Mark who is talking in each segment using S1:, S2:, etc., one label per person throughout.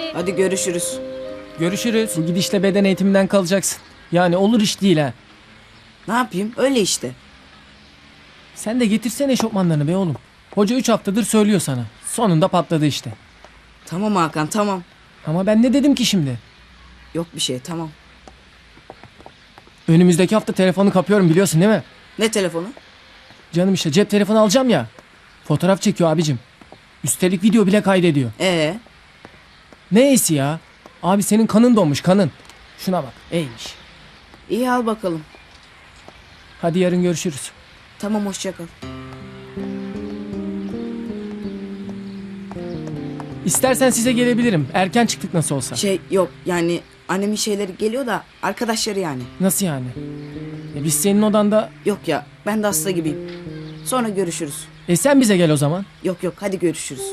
S1: Hadi görüşürüz.
S2: Görüşürüz. Bu gidişle beden eğitiminden kalacaksın. Yani olur iş değil ha.
S1: Ne yapayım? Öyle işte.
S2: Sen de getirsene eşofmanlarını be oğlum. Hoca 3 haftadır söylüyor sana. Sonunda patladı işte.
S1: Tamam Hakan, tamam.
S2: Ama ben ne dedim ki şimdi?
S1: Yok bir şey, tamam.
S2: Önümüzdeki hafta telefonu kapıyorum biliyorsun değil mi?
S1: Ne telefonu?
S2: Canım işte cep telefonu alacağım ya. Fotoğraf çekiyor abicim. Üstelik video bile kaydediyor.
S1: Neyse
S2: ya? Abi senin kanın donmuş kanın. Şuna bak iyiymiş.
S1: İyi al bakalım.
S2: Hadi yarın görüşürüz.
S1: Tamam, hoşça kal.
S2: İstersen size gelebilirim. Erken çıktık nasıl olsa.
S1: Yok yani annemin şeyleri geliyor da arkadaşları yani.
S2: Nasıl yani? Biz senin odanda...
S1: Yok ya, ben de hasta gibiyim. Sonra görüşürüz.
S2: Sen bize gel o zaman.
S1: Yok hadi görüşürüz.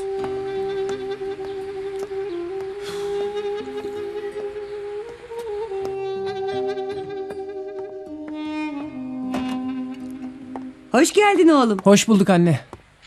S3: Hoş geldin oğlum.
S2: Hoş bulduk anne.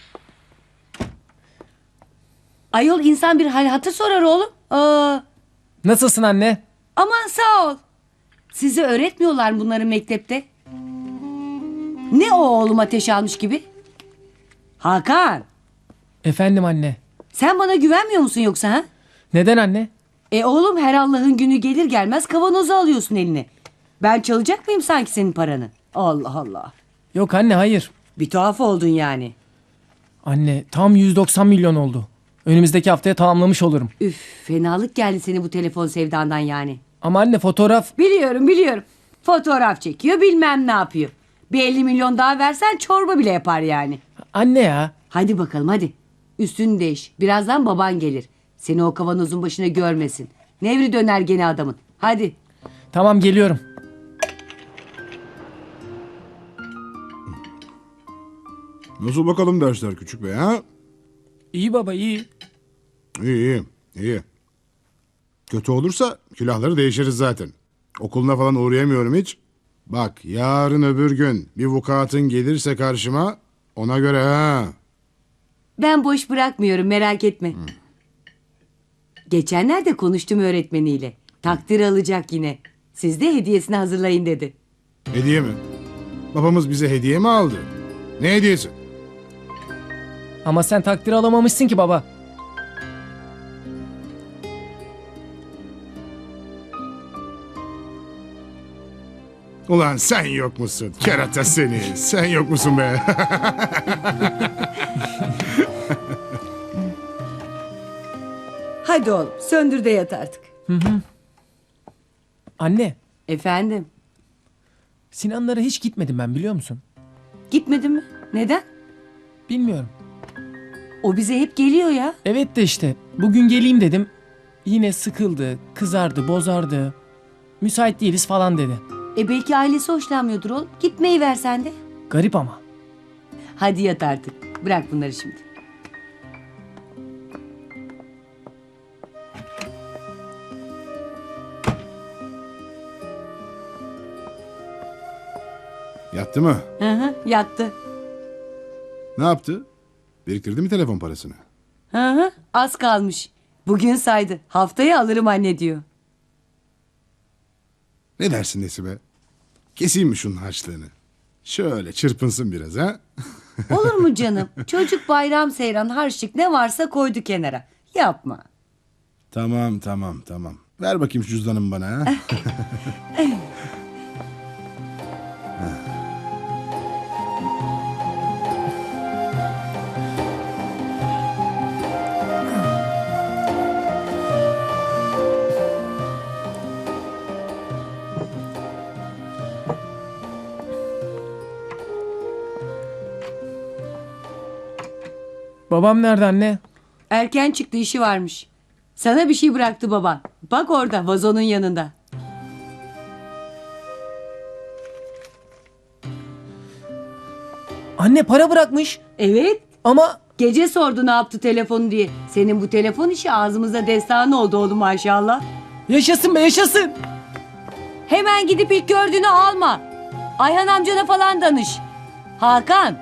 S3: Ayol insan bir hal hatır sorar oğlum.
S2: Nasılsın anne?
S3: Aman sağ ol. Size öğretmiyorlar mı bunları mektepte? Ne o oğlum ateş almış gibi? Hakan,
S2: Efendim anne.
S3: sen bana güvenmiyor musun yoksa ha?
S2: Neden anne?
S3: Oğlum her Allah'ın günü gelir gelmez kavanozu alıyorsun eline. Ben çalacak mıyım sanki senin paranı? Allah Allah.
S2: Yok anne hayır.
S3: Bir tuhaf oldun yani.
S2: Anne tam 190 milyon oldu. Önümüzdeki haftaya tamamlamış olurum.
S3: Üf, fenalık geldi seni bu telefon sevdandan yani.
S2: Ama anne fotoğraf...
S3: Biliyorum. Fotoğraf çekiyor bilmem ne yapıyor. Bir 50 milyon daha versen çorba bile yapar yani.
S2: Anne ya.
S3: Hadi bakalım hadi. Üstünü değiş. Birazdan baban gelir. Seni o kavanozun başına görmesin. Nevri döner gene adamın. Hadi.
S2: Tamam geliyorum.
S4: Nasıl bakalım dersler küçük bey ha?
S2: İyi baba iyi.
S4: İyi. Kötü olursa külahları değişiriz zaten. Okuluna falan uğrayamıyorum hiç. Bak yarın öbür gün bir vukuatın gelirse karşıma ona göre ha.
S3: Ben boş bırakmıyorum merak etme. Geçenlerde konuştum öğretmeniyle. Takdir alacak yine. Siz de hediyesini hazırlayın dedi.
S4: Hediye mi? Babamız bize hediye mi aldı? Ne hediyesi?
S2: Ama sen takdir alamamışsın ki baba.
S4: Ulan sen yok musun? Kerata seni. Sen yok musun be?
S3: Hadi oğlum söndür de yat artık.
S2: Anne,
S3: Efendim
S2: Sinanlara hiç gitmedim ben biliyor musun?
S3: gitmedin mi? Neden?
S2: Bilmiyorum.
S3: O bize hep geliyor ya.
S2: Evet de işte bugün geleyim dedim. Yine sıkıldı, kızardı, bozardı. Müsait değiliz falan dedi.
S3: Belki ailesi hoşlanmıyordur oğlum. Gitmeyi ver sen de.
S2: Garip ama.
S3: Hadi yat artık. Bırak bunları şimdi.
S4: Yattı mı?
S3: Hı hı, yattı.
S4: Ne yaptı? Biriktirdi mi telefon parasını?
S3: Hı hı, az kalmış. Bugün saydı. Haftaya alırım anne diyor.
S4: Ne dersin Nesibe? Keseyim mi şunun harçlığını? Şöyle çırpınsın biraz ha?
S3: Olur mu canım? Çocuk bayram seyran harçlık ne varsa koydu kenara. Yapma.
S4: Tamam. Ver bakayım şu cüzdanımı bana ha.
S2: Babam nerede anne?
S3: Erken çıktı işi varmış. Sana bir şey bıraktı baban. Bak orada vazonun yanında.
S2: Anne para bırakmış.
S3: Evet.
S2: Ama
S3: Gece sordu ne yaptı telefonu diye. Senin bu telefon işi ağzımıza destan oldu oğlum maşallah.
S2: yaşasın be yaşasın.
S3: Hemen gidip ilk gördüğünü alma. Ayhan amcana falan danış. Hakan.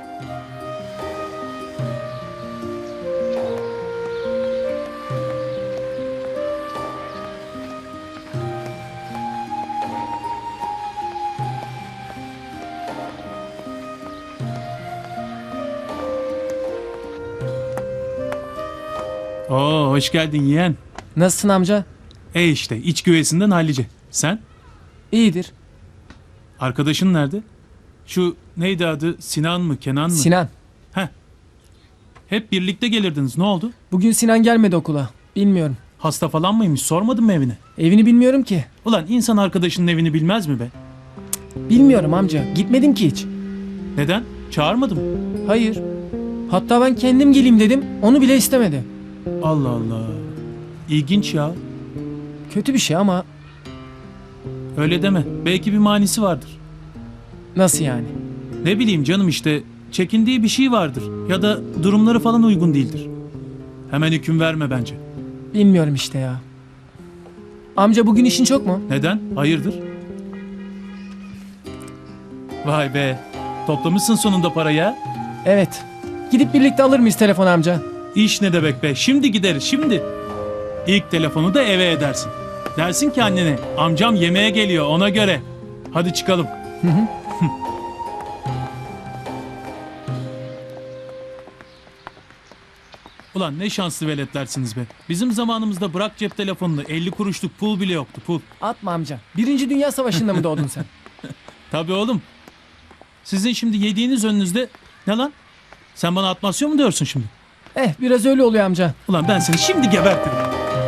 S5: Oo, hoş geldin yeğen.
S2: Nasılsın amca?
S5: İşte iç güveysinden hallice. Sen?
S2: İyidir.
S5: Arkadaşın nerede? Şu neydi adı? Sinan mı? Kenan mı?
S2: Sinan.
S5: Hep birlikte gelirdiniz. Ne oldu?
S2: Bugün Sinan gelmedi okula. Bilmiyorum.
S5: Hasta falan mıymış? Sormadın mı evine?
S2: Evini bilmiyorum ki.
S5: Ulan insan arkadaşının evini bilmez mi be?
S2: Bilmiyorum amca. Gitmedim ki hiç.
S5: Neden? Çağırmadım.
S2: Hayır. Hatta ben kendim geleyim dedim. Onu bile istemedi.
S5: Allah Allah. İlginç ya.
S2: Kötü bir şey ama
S5: Öyle deme. Belki bir manisi vardır.
S2: nasıl yani?
S5: Ne bileyim canım işte. Çekindiği bir şey vardır. Ya da durumları falan uygun değildir. Hemen hüküm verme bence.
S2: Bilmiyorum işte ya. Amca bugün işin çok mu?
S5: Neden? Hayırdır? Vay be. Toplamışsın sonunda parayı ha?
S2: Evet. Gidip birlikte alır mıyız telefon amca?
S5: İş ne demek be? Şimdi gideriz şimdi. İlk telefonu da eve edersin. Dersin ki annene amcam yemeğe geliyor ona göre. Hadi çıkalım. Ulan ne şanslı veletlersiniz be. Bizim zamanımızda bırak cep telefonunu 50 kuruşluk pul bile yoktu pul.
S2: Atma amca. Birinci Dünya Savaşı'nda mı doğdun sen?
S5: Tabii oğlum. Sizin şimdi yediğiniz önünüzde ne lan? Sen bana atmasyon mu diyorsun şimdi?
S2: Biraz öyle oluyor amca.
S5: Ulan ben seni şimdi gebertirim.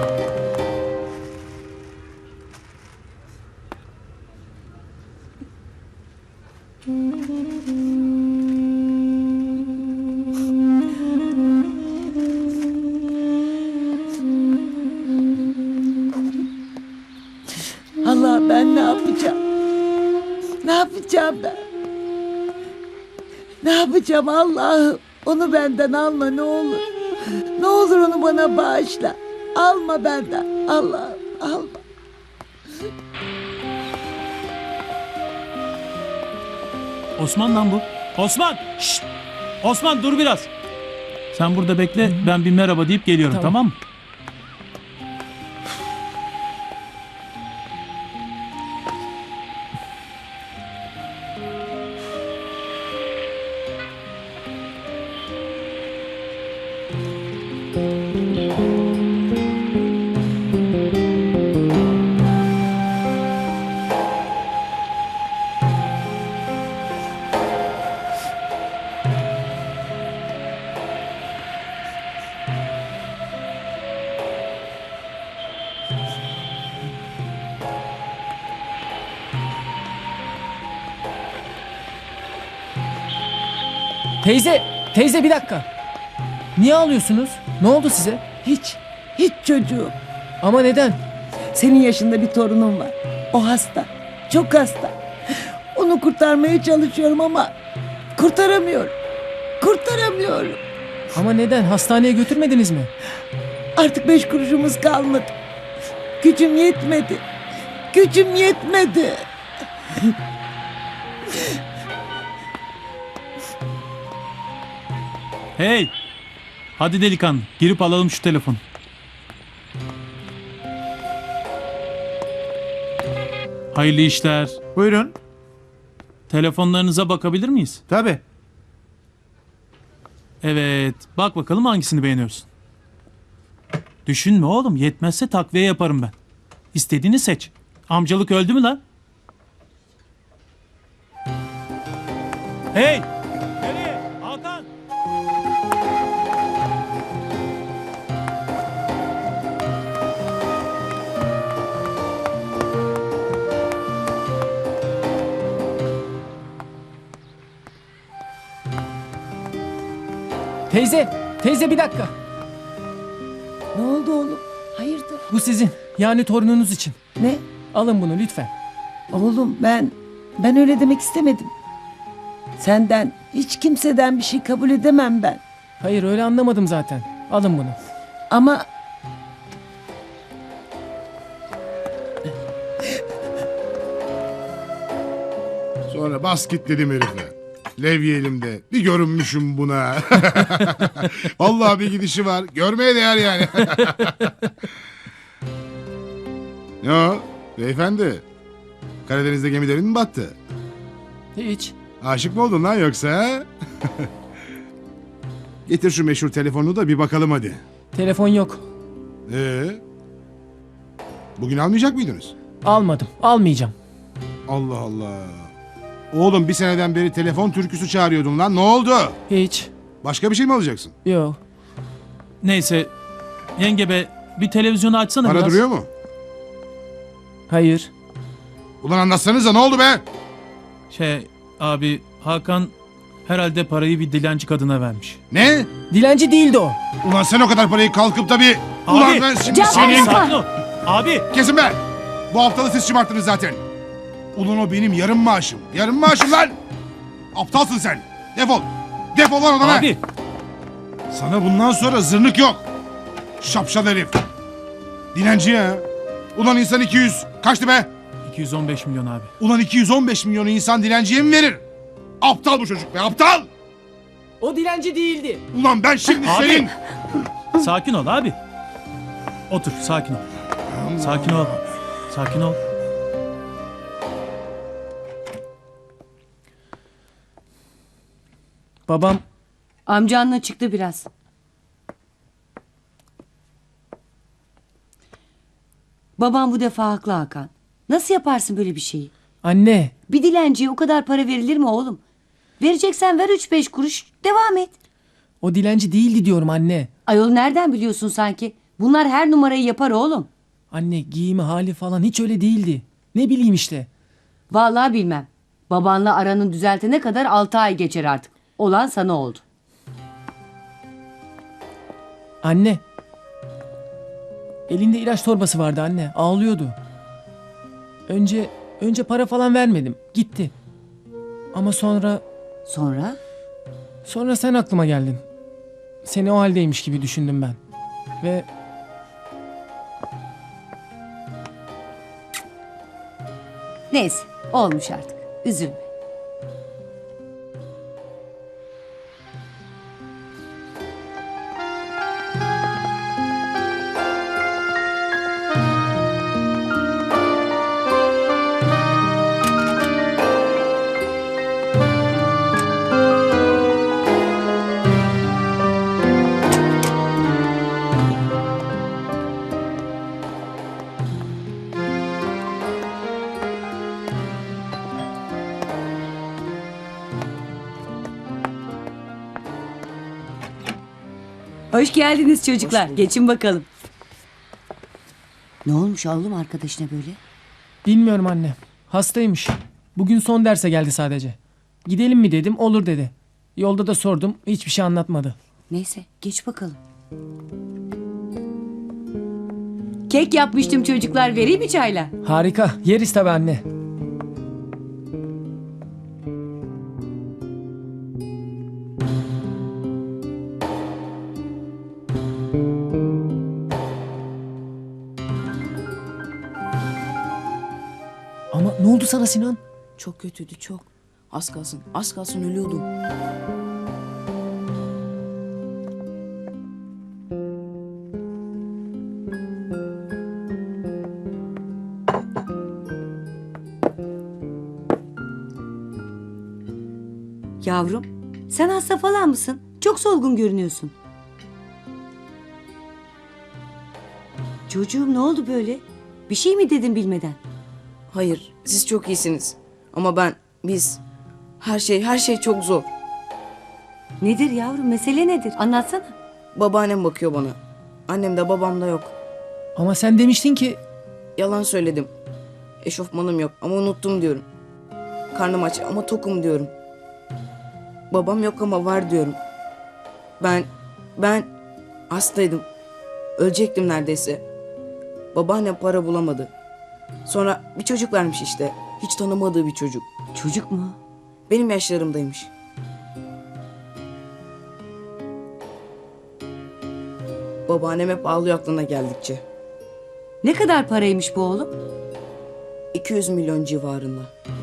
S6: Allah ben ne yapacağım? Ne yapacağım ben? Ne yapacağım Allah'ım? Onu benden alma ne olur. Ne olur onu bana bağışla. Alma benden. Allah'ım alma.
S5: Osman lan bu. Osman! Şşt! Osman dur biraz. Sen burada bekle ben bir merhaba deyip geliyorum
S2: Tamam.
S5: tamam mı?
S2: Teyze bir dakika. Niye ağlıyorsunuz? Ne oldu size?
S6: Hiç çocuğum.
S2: Ama neden?
S6: Senin yaşında bir torunum var. O hasta. Çok hasta. Onu kurtarmaya çalışıyorum ama kurtaramıyorum. Kurtaramıyorum.
S2: Ama neden? Hastaneye götürmediniz mi?
S6: Artık 5 kuruşumuz kalmadı. Gücüm yetmedi. Gücüm yetmedi.
S5: Hey! Hadi delikanlı girip alalım şu telefonu. Hayırlı işler.
S7: Buyurun.
S5: Telefonlarınıza bakabilir miyiz?
S7: Tabii.
S5: Evet. Bak bakalım hangisini beğeniyorsun. Düşünme oğlum. Yetmezse takviye yaparım ben. İstediğini seç. Amcalık öldü mü lan? Hey! Nereye? Hakan!
S2: Teyze bir dakika.
S6: Ne oldu oğlum? Hayırdır?
S2: Bu sizin. Yani torununuz için.
S6: Ne?
S2: Alın bunu lütfen.
S6: Oğlum ben öyle demek istemedim. Senden hiç kimseden bir şey kabul edemem ben.
S2: Hayır öyle anlamadım zaten. Alın bunu.
S6: Ama
S4: Sonra bas git dedim herife. Levye elimde. Bir görünmüşüm buna. Vallahi bir gidişi var. Görmeye değer yani. Ne o? Beyefendi. Karadeniz'de gemilerin mi battı?
S2: Hiç.
S4: Aşık mı oldun lan yoksa? Ha? Getir şu meşhur telefonunu da bir bakalım hadi.
S2: Telefon yok.
S4: Bugün almayacak mıydınız?
S2: Almadım. Almayacağım.
S4: Allah Allah. Oğlum bir seneden beri telefon türküsü çağırıyordun lan. Ne oldu?
S2: Hiç.
S4: Başka bir şey mi alacaksın?
S2: Yok.
S5: Neyse yenge be bir televizyonu açsana
S4: Para
S5: biraz.
S4: duruyor mu?
S2: Hayır.
S4: Ulan anlatsanıza ne oldu be?
S5: Abi Hakan herhalde parayı bir dilenci kadına vermiş.
S4: Ne?
S2: Dilenci değildi o.
S4: Ulan sen o kadar parayı kalkıp da bir...
S5: Abi!
S4: Ulan ben şimdi
S3: Can-
S4: senin...
S3: Yapma!
S5: Sakin ol. Abi
S4: Kesin be! Bu haftalığı siz şımarttınız zaten. Ulan o benim yarım maaşım. Yarım maaşım lan! Aptalsın sen. Defol. Defol lan odana.
S5: abi
S4: Sana bundan sonra zırnık yok. Şapşal herif. Dilenci ya. Ulan insan 200. Kaçtı be?
S5: 215 milyon abi.
S4: Ulan 215 milyonu insan dilenciye mi verir? Aptal bu çocuk be, aptal!
S2: O dilenci değildi.
S4: Ulan ben şimdi
S5: Abi!
S4: senin...
S5: Sakin ol abi. Otur sakin ol. Sakin ol. Sakin ol.
S2: Babam
S3: Amcanla çıktı biraz. Babam bu defa haklı Hakan. Nasıl yaparsın böyle bir şeyi?
S2: anne
S3: Bir dilenciye o kadar para verilir mi oğlum? Vereceksen ver 3-5 kuruş devam et.
S2: o dilenci değildi diyorum anne.
S3: Ayol nereden biliyorsun sanki? Bunlar her numarayı yapar oğlum.
S2: Anne giyimi hali falan hiç öyle değildi. Ne bileyim işte.
S3: Vallahi bilmem. Babanla aranın düzeltene kadar 6 ay geçer artık. Olan sana oldu.
S2: Anne. Elinde ilaç torbası vardı anne. Ağlıyordu. Önce para falan vermedim. Gitti. Ama sonra
S3: Sonra?
S2: sen aklıma geldin. Seni o haldeymiş gibi düşündüm ben. Ve
S3: Neyse olmuş artık. Üzülme. Hoş geldiniz çocuklar. Geçin bakalım. Ne olmuş oğlum arkadaşına böyle?
S2: bilmiyorum anne. Hastaymış. Bugün son derse geldi sadece. Gidelim mi dedim, olur dedi. Yolda da sordum, hiçbir şey anlatmadı.
S3: Neyse geç bakalım. Kek yapmıştım çocuklar, vereyim mi çayla?
S2: Harika, yeriz tabii anne. Ama ne oldu sana Sinan?
S1: Çok kötüydü çok. Az kalsın ölüyordum.
S3: Yavrum, sen hasta falan mısın? Çok solgun görünüyorsun. Çocuğum ne oldu böyle? Bir şey mi dedin bilmeden?
S1: Hayır, siz çok iyisiniz. Ama biz... Her şey çok zor.
S3: Nedir yavrum, mesele nedir? Anlatsana.
S1: Babaannem bakıyor bana. Annem de babam da yok.
S2: Ama sen demiştin ki...
S1: Yalan söyledim. Eşofmanım yok ama unuttum diyorum. Karnım aç ama tokum diyorum. Babam yok ama var diyorum. Ben hastaydım. Ölecektim neredeyse. Babaannem para bulamadı. Sonra bir çocuk vermiş işte. Hiç tanımadığı bir çocuk.
S3: Çocuk mu?
S1: Benim yaşlarımdaymış. Babaannem hep ağlıyor aklına geldikçe.
S3: Ne kadar paraymış bu oğlum?
S1: 200 milyon civarında.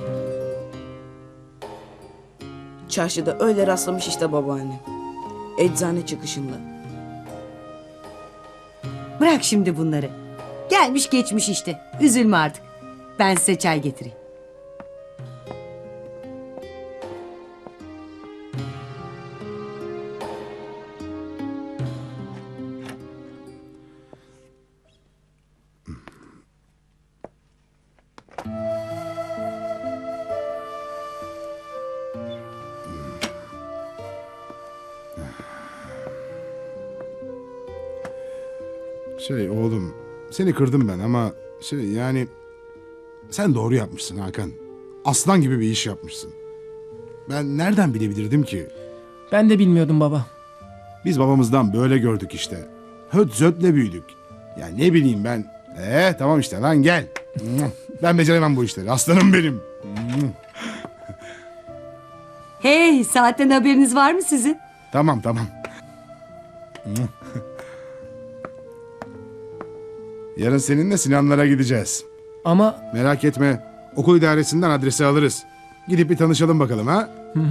S1: Çarşıda öyle rastlamış işte babaannem. Eczane çıkışında.
S3: Bırak şimdi bunları. Gelmiş geçmiş işte. Üzülme artık. Ben size çay getireyim.
S4: Şey oğlum, seni kırdım ben ama yani sen doğru yapmışsın Hakan. Aslan gibi bir iş yapmışsın. Ben nereden bilebilirdim ki?
S2: Ben de bilmiyordum baba.
S4: Biz babamızdan böyle gördük işte. Höt zötle büyüdük. Ya ne bileyim ben. Tamam işte lan gel. Ben beceremem bu işleri. Aslanım benim.
S3: Hey, saatten haberiniz var mı sizin?
S4: Tamam. Yarın seninle Sinanlara gideceğiz.
S2: Ama
S4: Merak etme. Okul idaresinden adresi alırız. Gidip bir tanışalım bakalım ha.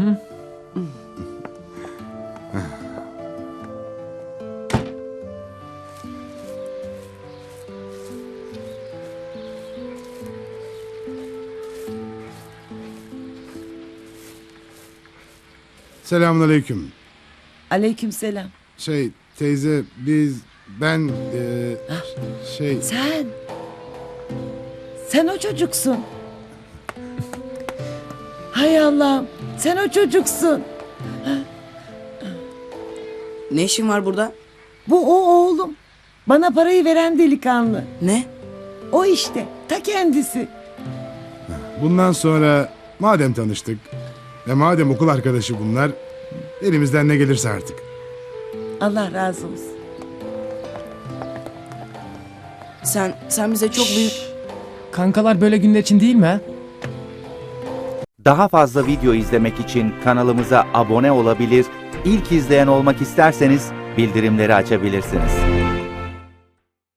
S4: Selamünaleyküm.
S6: Aleykümselam.
S4: Teyze ben
S6: Sen o çocuksun. Hay Allah'ım. Sen o çocuksun.
S1: Ne işin var burada?
S6: Bu o oğlum. Bana parayı veren delikanlı.
S1: Ne?
S6: O işte. Ta kendisi.
S4: bundan sonra madem tanıştık ve madem okul arkadaşı bunlar, elimizden ne gelirse artık.
S6: Allah razı olsun.
S1: Sen bize çok büyük...
S2: kankalar böyle günler için değil mi ha?
S7: Daha fazla video izlemek için kanalımıza abone olabilir, ilk izleyen olmak isterseniz bildirimleri açabilirsiniz.